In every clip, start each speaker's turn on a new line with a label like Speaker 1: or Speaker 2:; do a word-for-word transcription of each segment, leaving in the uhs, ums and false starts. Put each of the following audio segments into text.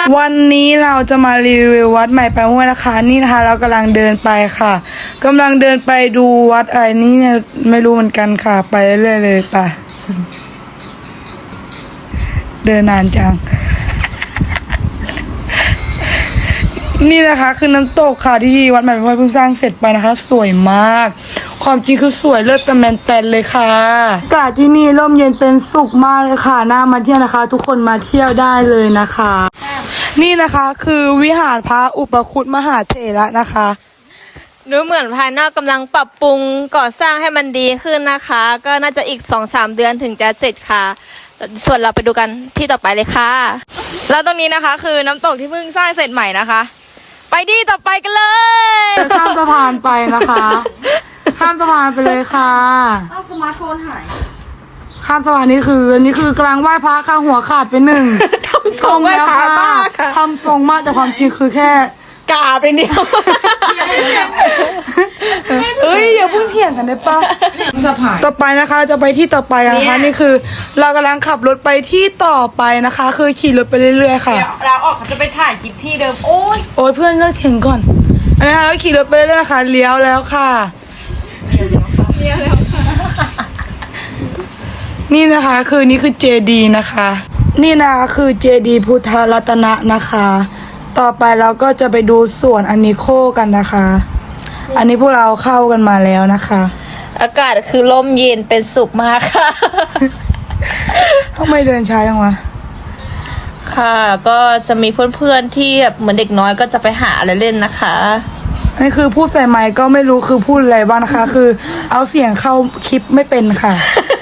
Speaker 1: วันนี้เราจะมารีวิววัดใหม่ไปห้วยนะคะนี่นะคะเรากำลังเดินไปค่ะกำลังเดินไปดูวัดอะไรนี้เนี่ยไม่รู้เหมือนกันค่ะไปเรื่อยๆเลยไปเดินนานจังนี่นะคะคือน้ำตกค่ะที่วัดใหม่ไปห้วยเพิ่งสร้างเสร็จไปนะคะสวยมากความจริงคือสวยเลิศแต่แมนแตนเลยค่ะอากาศที่นี่ร่มเย็นเป็นสุขมากเลยค่ะน่ามาเที่ยวนะคะทุกคนมาเที่ยวได้เลยนะคะนี่นะคะคือวิหารพระอุปคุตมหาเถระนะคะ
Speaker 2: ดูเหมือนภายนอกกำลังปรับปรุงก่อสร้างให้มันดีขึ้นนะคะก็น่าจะอีก สองสาม เดือนถึงจะเสร็จค่ะส่วนเราไปดูกันที่ต่อไปเลยค่ะแล้วตรงนี้นะคะคือน้ำตกที่เพิ่งสร้างเสร็จใหม่นะคะไปที่ต่อไปกันเลย
Speaker 1: ข้ามสะพานไปนะคะข้ามสะพานไปเลยค่ะ
Speaker 3: เอาสมาร์ทโฟนหาย
Speaker 1: ข้ามสะพานนี้คืออันนี้คือกำลังไหว้พระค่ะหัวขาดไปหนึ่ง
Speaker 2: ทำทรงไหว้พระมากค่ะ
Speaker 1: ทำทรงมากแต่ความจริงคือแค่
Speaker 2: กาไปเดียว
Speaker 1: เอ้ยอย่าเพิ่งเถียงกันได้ปะต่อไปนะคะจะไปที่ต่อไปนะคะนี่คือเรากำลังขับรถไปที่ต่อไปนะคะคือขี่รถไปเรื่อยๆค่ะ
Speaker 3: เราออกเขาจะไปถ่ายคลิปที่เดิมโอ้ย
Speaker 1: โอ้ยเพื่อนเลิกเถียงก่อนอันนี้ค่ะเราขี่รถไปเรื่อยๆนะคะเลี้ยวแล้วค่ะ
Speaker 3: เลี้ยวแล้วค่ะ
Speaker 1: นี่นะคะคือนี่คือเจดีนะคะนี่นะคะคือเจดีพุทธรัตนะนะคะต่อไปเราก็จะไปดูสวนอนิโคกันนะคะอันนี้พวกเราเข้ากันมาแล้วนะคะ
Speaker 2: อากาศคือลมเย็นเป็นสุขมากค่ะ
Speaker 1: ทำไมเดินช้าจังวะ
Speaker 2: ค่ะก็จะมีเพื่อนๆที่แบบเหมือนเด็กน้อยก็จะไปหาอะไรเล่นนะคะ
Speaker 1: นี่คือพูดใส่ไมค์ก็ไม่รู้คือพูดอะไรบ้างนะคะคือเอาเสียงเข้าคลิปไม่เป็นค่ะ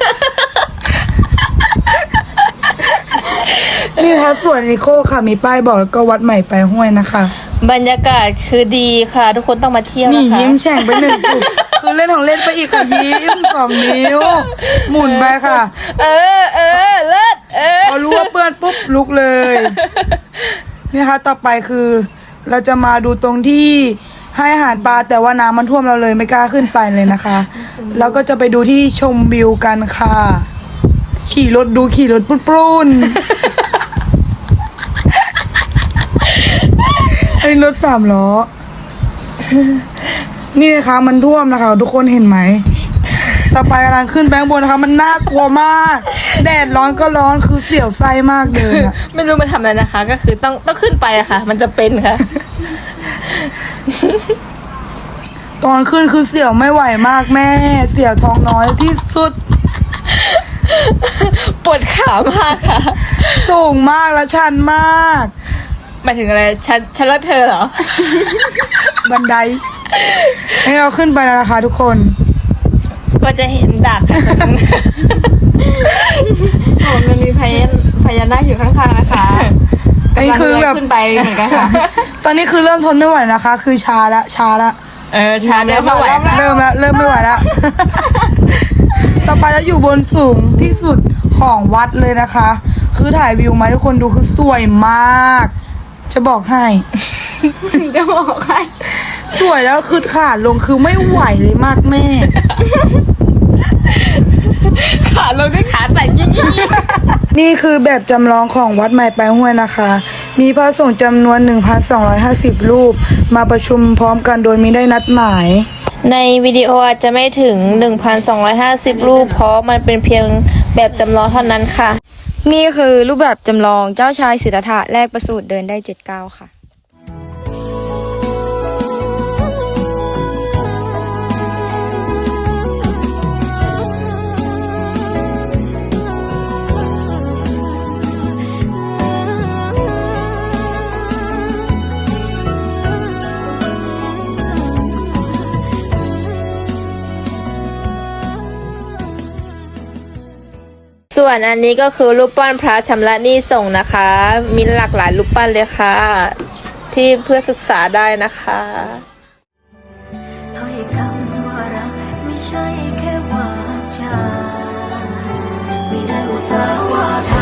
Speaker 1: นี่นะคะส่วนนิโคค่ะมีป้ายบอกแล้วก็วัดใหม่ไปห้วยนะคะ
Speaker 2: บรรยากาศคือดีค่ะทุกคนต้องมาเที่ยวนะคะ
Speaker 1: นี่ยิ้มแฉ่งไปหนึ่งจุดคือเล่นของเล่นไปอีกค่ะยิ้มสองนิ้วหมุนไปค่ะ
Speaker 2: เออเออเลิศเออ
Speaker 1: พอรู้ว่าเปื้อนปุ๊บลุกเลยนี่ค่ะต่อไปคือเราจะมาดูตรงที่ให้อาหารปลาแต่ว่าน้ำมันท่วมเราเลยไม่กล้าขึ้นไปเลยนะคะแล้วก็จะไปดูที่ชมวิวกันค่ะขี่รถดูขี่รถปลุ้นไอ้รถสามล้อนี่นะคะมันท่วมนะคะทุกคนเห็นไหมต่อไปกำลังขึ้นแบงค์บนนะคะมันน่ากลัวมากแดดร้อนก็ร้อนคือเสียวไส้มากเดินอะ
Speaker 2: ไม่รู้มันทำอะไรนะคะก็คือต้องต้องขึ้นไปอะค่ะมันจะเป็นค่ะ
Speaker 1: ตอนขึ้นคือเสียวไม่ไหวมากแม่เสียวท้องน้อยที่สุด
Speaker 2: ปวดขามากค่ะ
Speaker 1: สูงมากและชันมาก
Speaker 2: หมายถึงอะไรฉันฉันรักเธอเหรอ
Speaker 1: บันไดให้เราขึ้นไปแล้วนะคะทุกคน
Speaker 2: ก็จะเห็นดักค่ะโอ้มันมีพญาพญานาคอยู่ข้างๆนะคะ
Speaker 1: อันนี้คือแบบ
Speaker 2: ขึ้นไปเหมือนกันค่ะ
Speaker 1: ตอนนี้คือเริ่มทนไม่ไหวนะคะคือชาละชาละ
Speaker 2: เออชาเริ่มไม่ไหว
Speaker 1: เริ่มละเริ่มไม่ไหวละต่อไปแล้วอยู่บนสูงที่สุดของวัดเลยนะคะคือถ่ายวิวมาทุกคนดูคือสวยมากจะบอกให้
Speaker 2: จะบอกให้
Speaker 1: สวยแล้วคือขาลงคือไม่ไหวเลยมากแม่
Speaker 2: ขาลงด้วยขาแต่ยิ่ง
Speaker 1: นี่คือแบบจำลองของวัดใหม่ไปห้วยนะคะมีพระสงฆ์จำนวน หนึ่งพันสองร้อยห้าสิบ รูปมาประชุมพร้อมกันโดยมิได้นัดหมาย
Speaker 2: ในวิดีโออาจจะไม่ถึง หนึ่งพันสองร้อยห้าสิบ รูปเพราะมันเป็นเพียงแบบจำลองเท่านั้นค่ะ
Speaker 4: นี่คือรูปแบบจำลองเจ้าชายสิทธัตถะแรกประสูติเดินได้เจ็ดก้าวค่ะ
Speaker 2: ส่วนอันนี้ก็คือรูปปั้นพระชำระหนี้ส่งนะคะมีหลากหลายรูปปั้นเลยค่ะที่เพื่อศึกษาได้นะคะ
Speaker 5: ถ้อยคำว่ารักไม่ใช่แค่วาจาไม่ได้อุตส่าห์ว่า